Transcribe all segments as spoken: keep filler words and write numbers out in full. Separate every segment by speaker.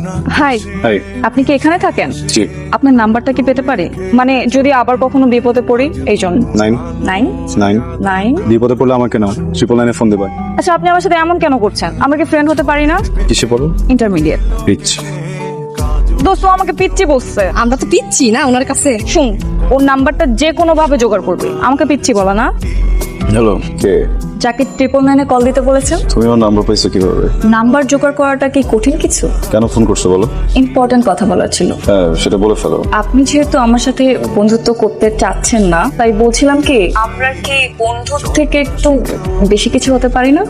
Speaker 1: High
Speaker 2: high.
Speaker 1: আপনি কি এখানে থাকেন?
Speaker 2: জি।
Speaker 1: আপনার নাম্বারটা কি পেতে পারি? মানে যদি আবার কখনো বিপদে পড়ি এই জন্য।
Speaker 2: নাইন
Speaker 1: নাইন
Speaker 2: নাইন
Speaker 1: নাইন
Speaker 2: বিপদে পড়লে আমাকে নাও, ট্রিপল নাইনে ফোন দেবে।
Speaker 1: আচ্ছা আপনি আমার সাথে এমন কেন করছেন? আমরা কি ফ্রেন্ড হতে পারি না?
Speaker 2: কিসে পড়ো?
Speaker 1: ইন্টারমিডিয়েট।
Speaker 2: রিচ।
Speaker 1: দোস্ত আমাকে পিচ্ছি বলছে।
Speaker 3: আমরা তো পিচ্ছি না ওনার কাছে।
Speaker 1: শুন, ওর নাম্বারটা যে কোনো ভাবে জোগাড় করবে, আমাকে পিচ্ছি বলা না।
Speaker 2: হ্যালো, কে?
Speaker 1: যাকে ট্রিপল নাইনে কল দিতে বলেছেন।
Speaker 2: তুমি আমার নাম্বার পাইছো কিভাবে?
Speaker 1: নাম্বার জোগাড় করাটা কি কঠিন কিছু?
Speaker 2: কেন ফোন করছো বলো?
Speaker 1: ইম্পর্টেন্ট কথা বলার ছিল।
Speaker 2: হ্যাঁ, সেটা বলে ফেলো।
Speaker 1: আপনি যেহেতু আমার সাথে বন্ধুত্ব করতে চাচ্ছেন না, তাই বলছিলাম কি আমরা কি বন্ধুর থেকে একটু বেশি কিছু হতে পারি না?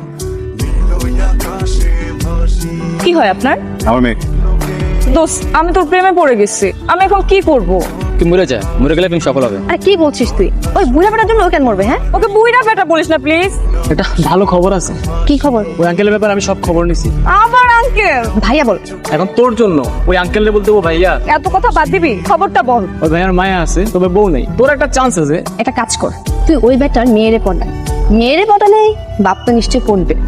Speaker 1: কি হয় আপনার?
Speaker 2: আমার মেয়ে।
Speaker 1: দোস্ত আমি তোর প্রেমে পড়ে গেছি, আমি এখন কি করব?
Speaker 4: তুই মরে যা, মরে গেলে প্রেম সফল হবে।
Speaker 3: আরে কি বলছিস তুই? ওই বুড়া বেটার জন্য ও কেন মরবে? হ্যাঁ,
Speaker 1: ওকে বুইড়া বেটা বলিস না প্লিজ।
Speaker 4: একটা ভালো খবর আছে।
Speaker 3: কি খবর?
Speaker 4: ওই আঙ্কেলের ব্যাপারে আমি সব খবর নিছি।
Speaker 1: আবার আঙ্কেল?
Speaker 3: ভাইয়া বল।
Speaker 4: এখন তোর জন্য ওই আঙ্কেলরে বলতে ও ভাইয়া।
Speaker 1: এত কথা বাদ দিবি, খবরটা বল।
Speaker 4: ওই ভাইয়ার মায়া আছে, তবে বউ নেই। তোর একটা চান্স আছে।
Speaker 3: একটা কাজ কর, তুই ওই বেটার মেয়েরে পড়া। মেয়েরে পড়া নেই, বাপ তো নিশ্চয়ই পড়বে।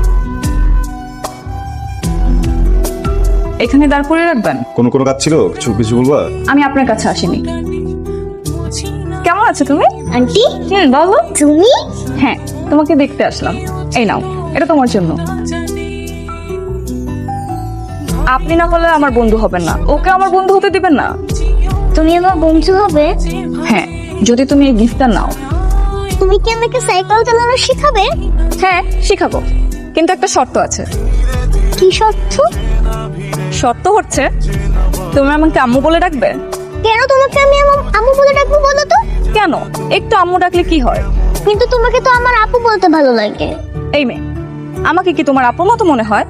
Speaker 1: এখানে দাঁড় করে রাখবেন?
Speaker 2: কোনো কোনো কাজ ছিল? কিছু কিছু বলবা?
Speaker 1: আমি আপনার কাছে আসিনি। কেমন আছো তুমি?
Speaker 3: আন্টি
Speaker 1: হুম বলো।
Speaker 3: তুমি?
Speaker 1: হ্যাঁ, তোমাকে দেখতে আসলাম। এই নাও, এটা তোমার জন্য। আপনি না হলে আমার বন্ধু হবেন না, ওকে আমার বন্ধু হতে দিবেন না।
Speaker 5: তুমি আমার বন্ধু হবে?
Speaker 1: হ্যাঁ, যদি তুমি এই গিফটটা নাও।
Speaker 5: তুমি কি আমাকে সাইকেল চালানো শেখাবে?
Speaker 1: হ্যাঁ শিখাবো, কিন্তু একটা শর্ত আছে।
Speaker 5: কি শর্ত?
Speaker 1: শর্ত হচ্ছে তুমি আমাকে আম্মু বলে ডাকবে।
Speaker 5: কেন তোমাকে আমি আমার আম্মু বলে ডাকবো বলো তো?
Speaker 1: কেন? একটু আম্মু ডাকলে কি হয়?
Speaker 5: কিন্তু তোমাকে তো আমার আপু বলতে ভালো লাগে।
Speaker 1: এই মেয়ে, আমাকে কি তোমার আপুর মতো মনে হয়?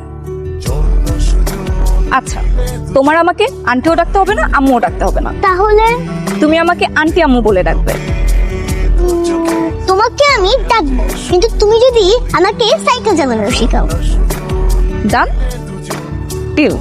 Speaker 1: আচ্ছা, তোমার আমাকে আন্টিও ডাকতে হবে না, আম্মুও ডাকতে হবে না।
Speaker 5: তাহলে
Speaker 1: তুমি আমাকে আন্টি আম্মু বলে ডাকবে।
Speaker 5: তোমাকে আমি ডাকবো, কিন্তু তুমি যদি আমাকে সাইকেল চালানো শেখাও।
Speaker 1: Done deal.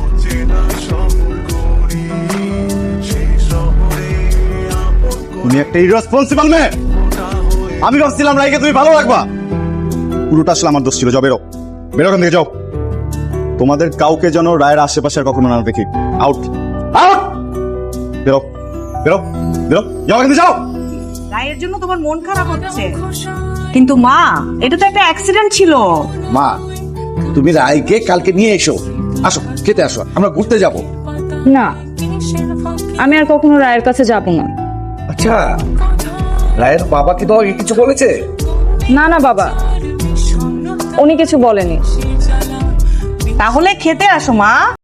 Speaker 2: তুমি একটা ইররেসপন্সিবল মেয়ে। আমি ভাবছিলাম রাইকে তুমি ভালো রাখবা, পুরোটা আসলে আমার দোষ ছিল। যাও বেরো, বেরো এখান থেকে যাও। তোমাদের কাউকে যেন রায়ের আশেপাশে আর কখনো না দেখি। আউট আউট, বেরো বেরো বেরো, যাও এখান থেকে যাও।
Speaker 6: রায়ের জন্য তোমার মন খারাপ হচ্ছে, কিন্তু মা এটা তো একটা অ্যাক্সিডেন্ট ছিল।
Speaker 7: মা, তুমি রায়কে কালকে নিয়ে এসো। আসো, খেতে আসো, আমরা ঘুরতে যাব।
Speaker 1: না, আমি আর কখনো রায়ের কাছে যাব না।
Speaker 7: আচ্ছা, রায়ের বাবা কি তোমাকে কিছু বলেছে?
Speaker 1: না না বাবা, উনি কিছু বলেনি।
Speaker 6: তাহলে খেতে আসো মা।